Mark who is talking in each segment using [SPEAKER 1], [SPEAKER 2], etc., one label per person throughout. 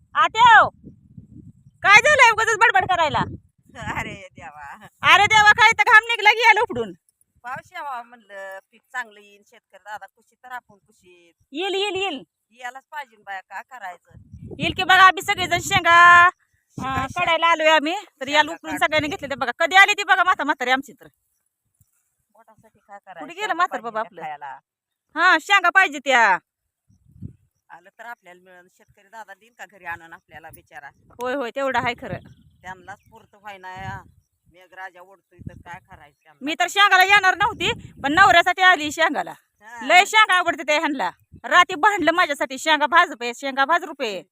[SPEAKER 1] आत्याव काय झालंय उगाच बडबड करायला?
[SPEAKER 2] अरे देवा,
[SPEAKER 1] अरे देवा, काय तर घाम निघला की याला उपडून.
[SPEAKER 2] पाऊस यावा म्हणलं, पीक चांगलं येईल, शेतकरी दादा कुशीत तर आपण कुशीत
[SPEAKER 1] येईल येईल येईल
[SPEAKER 2] यालाच पाहिजे बाया, का करायचं.
[SPEAKER 1] येईल की बघा. आम्ही सगळेजण शेंगा काढायला आलोय आम्ही, तर याला उपडून सगळ्यांनी घेतले. ते बघा कधी आली ती बघा म्हातारी आमची. तर
[SPEAKER 2] पोटासाठी काय करायचं,
[SPEAKER 1] कुठे गेलं म्हातार बाबा आपलं?
[SPEAKER 2] खायला
[SPEAKER 1] हा शेंगा पाहिजे त्या.
[SPEAKER 2] आलं तर आपल्याला मिळेल. शेतकरी दादा देईन का घरी आणून आपल्याला बिचारा?
[SPEAKER 1] होय होय, तेवढं आहे खरं.
[SPEAKER 2] त्यांनाच पुरतं व्हायना. मेघराजा ओढतोय तर काय करायचं त्यांना?
[SPEAKER 1] मी तर शेंगाला येणार नव्हती, पण नवऱ्यासाठी आली शेंगाला.
[SPEAKER 2] हा.
[SPEAKER 1] लय शेंगा आवडते त्या ह्यांना. राती भांडलं माझ्यासाठी, शेंगा भाज रुपये, शेंगा भाज रुपये.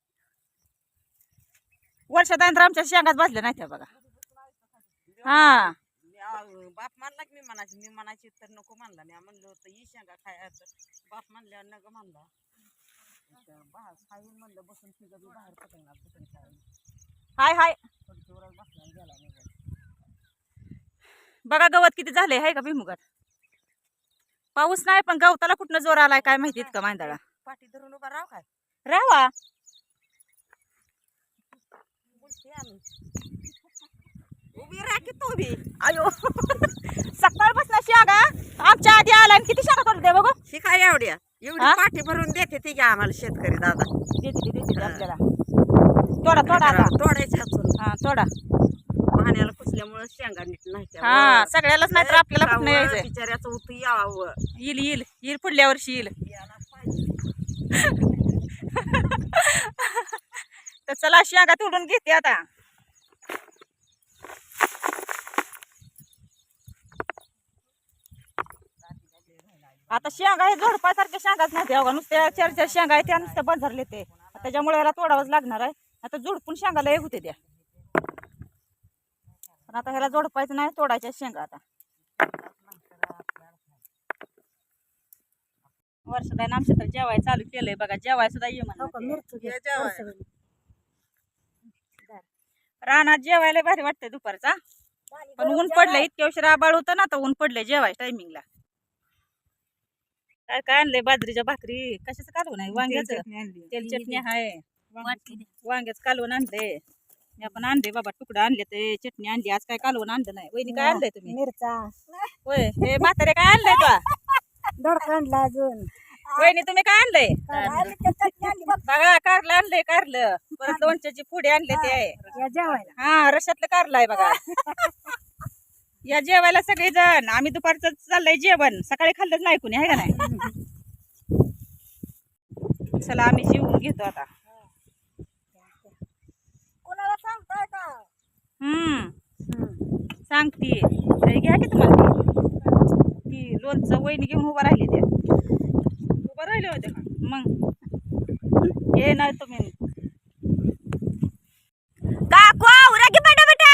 [SPEAKER 1] वर्षात आमच्या शेंगाच भाजल्या नाही त्या बघा. हा
[SPEAKER 2] बाप मानला की मी म्हणायची तर नको म्हणला. मी म्हणलं होतं ही शेंगा खायचं, बाप म्हणल्यावर नग म्हणला. खाईन म्हणलं बसून तिघं बाहेर पकडणार.
[SPEAKER 1] हाय हाय बघा गवत किती झाले आहे का भुईमुगात. पाऊस नाही पण गवताला कुठनं जोर आलाय काय माहितीत का मांदाळा.
[SPEAKER 2] पाठी धरून उभा राव काय
[SPEAKER 1] रावा
[SPEAKER 2] उभी राह की तू बी.
[SPEAKER 1] अयो सकाळपासून शेंगा आमच्या आधी आला आणि किती शेंगा तोडते बघू.
[SPEAKER 2] ही काय एवढ्या एवढी पाठी भरून देते ती आम्हाला शेतकरी दादा.
[SPEAKER 1] देते आपल्याला. तोडा तोडा आता.
[SPEAKER 2] तोडायच्या
[SPEAKER 1] हा तोडा.
[SPEAKER 2] पाण्याला कुसल्यामुळे शेंगा नीट नाही.
[SPEAKER 1] हा सगळ्यालाच नाही तर आपल्याला कुठं यायचंय.
[SPEAKER 2] बिचाऱ्याचं उतू यावं.
[SPEAKER 1] येईल येईल येईल पुढल्या वर्षी येईल. तर चला शेंगा तोडून घेते आता. आता शेंगा हे झोडपासारख्या शेंगाच नाही अवघा. नुसत्या चार चार शेंगा आहे त्या नुसत्या बंजारले ते. त्याच्यामुळे याला तोडावंच लागणार आहे. आता झोडपून शेंगाला एक होते त्या. पण आता ह्याला जोडपायचं नाही, तोडायच्या शेंगा आता. वर्षाला आमच्या तर जेवाय चालू केलंय बघा. जेवाय सुद्धा ये म्हणा. रानात जेवायला भारी वाटतंय दुपारचा. पण ऊन पडलंय, इतक्या उशीर आबाळ होतं ना, तर ऊन पडलंय जेवाय टायमिंगला. काय काय आणलंय? बाजरीच्या भाकरी. कशाचं कालवण आहे? वांग्याचं तेल चटणी आहे. वांग्याचं कालवण आणलंय. मी आपण आणले बाबा, तुकडं आणले ते चटणी आणली. आज काय कालवण आणलं नाही. वहिनी काय आणलंय तुम्ही?
[SPEAKER 3] मिरचा
[SPEAKER 1] होय हे म्हातारे काय आणलंय का?
[SPEAKER 3] दोडका आणला अजून.
[SPEAKER 1] वहिनी तुम्ही काय आणलंय? बघा कारलं आणलंय. कारलं परत लोणच्याची पुढे आणले ते आहे.
[SPEAKER 3] या जेवायला
[SPEAKER 1] हा रशातलं कारलं आहे बघा. या जेवायला सगळे जण. आम्ही दुपारचं चाललंय जेवण. सकाळी खाल्लंच नाही कुणी, आहे का नाही? चला आम्ही जेवून घेतो आता.
[SPEAKER 3] कोणाला सांगताय का?
[SPEAKER 1] सांगते तरी घ्या की तुम्हाला. ती लोणचं वहिनी घेऊन उभा राहिली त्या. उभा राहिले होते का मग? हे नाही तुम्ही
[SPEAKER 4] काकू आवरा की पटापटा.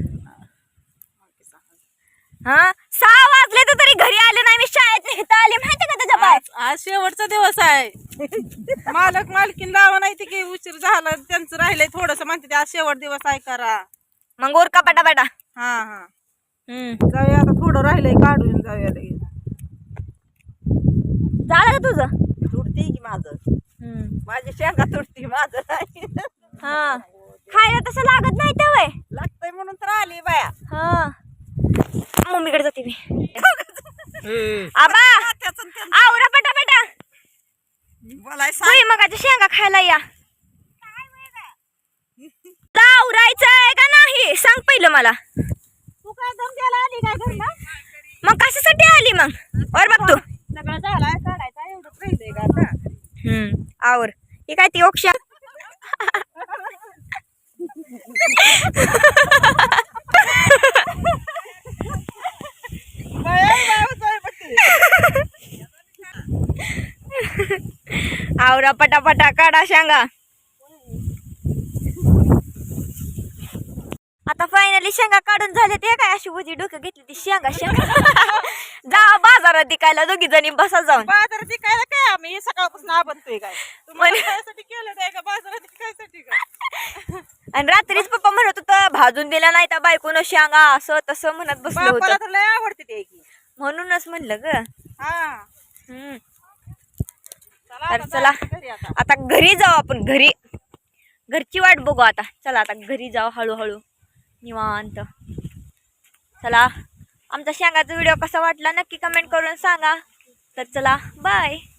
[SPEAKER 4] हा 6 वाजले तर तरी घरी आले नाही. मी शाळेत नेता आले माहिती का त्याच्या बाय.
[SPEAKER 2] आज शेवटचा दिवस आहे. मालक मालकीन लावा नाही की उशीर झाला त्यांचं राहिलंय थोडस म्हणते. आज शेवट दिवस आहे करा.
[SPEAKER 4] मग उरका पटापटा.
[SPEAKER 2] हा हा जाऊया आता. थोडं राहिलंय काढून जाऊया लगेच.
[SPEAKER 4] झालं का तुझं?
[SPEAKER 2] तुटते की माझं. माझी शेंगा तुटती माझं नाही.
[SPEAKER 4] हा खायला तसं लागत नाही तर वय.
[SPEAKER 2] लागतंय म्हणून तर आली बाया.
[SPEAKER 4] हा मम्मीकडे जाते मी. आबा आवरा पटापटा. मगाच्या शेंगा खायला या. आवरायचंय का नाही सांग पहिलं मला.
[SPEAKER 1] तू काय दम द्यायला आली काय घरला?
[SPEAKER 4] मग कशासाठी आली मग? और बघ तू.
[SPEAKER 1] सगळं झालाय काढायचा एवढं राहिलंय का आता?
[SPEAKER 4] आवर. ही काय ती ओक्षा. आवरा पटापटा काढा शेंगा. आता फायनली शेंगा काढून झाले. ते काय अशी उजी डोकं घेतली ती शेंगा जा बाजारात विकायला दोघी जणी बसा जाऊन.
[SPEAKER 1] बाजारात विकायला काय आम्ही सकाळपासून आबनतोय काय? तुम्हाला खायसाठी केलं नाही का बाजारात विकायसाठी काय?
[SPEAKER 4] आणि रात्रीच पप्पा म्हणत होतं भाजून दिला नाही तर बायकोनं शेंगा असं तसं म्हणत बसलं
[SPEAKER 1] बापाला
[SPEAKER 4] होतं.
[SPEAKER 1] तर लय आवडते ते की.
[SPEAKER 4] म्हणूनच म्हणलं ग.
[SPEAKER 1] हा
[SPEAKER 4] तर चला
[SPEAKER 1] घरी आता.
[SPEAKER 4] आता घरी जाऊ आपण. घरी घरची वाट बघू आता. चला आता घरी जाऊ हळूहळू निवांत. चला आमचा शेंगाचा व्हिडिओ कसा वाटला नक्की कमेंट करून सांगा. तर चला बाय.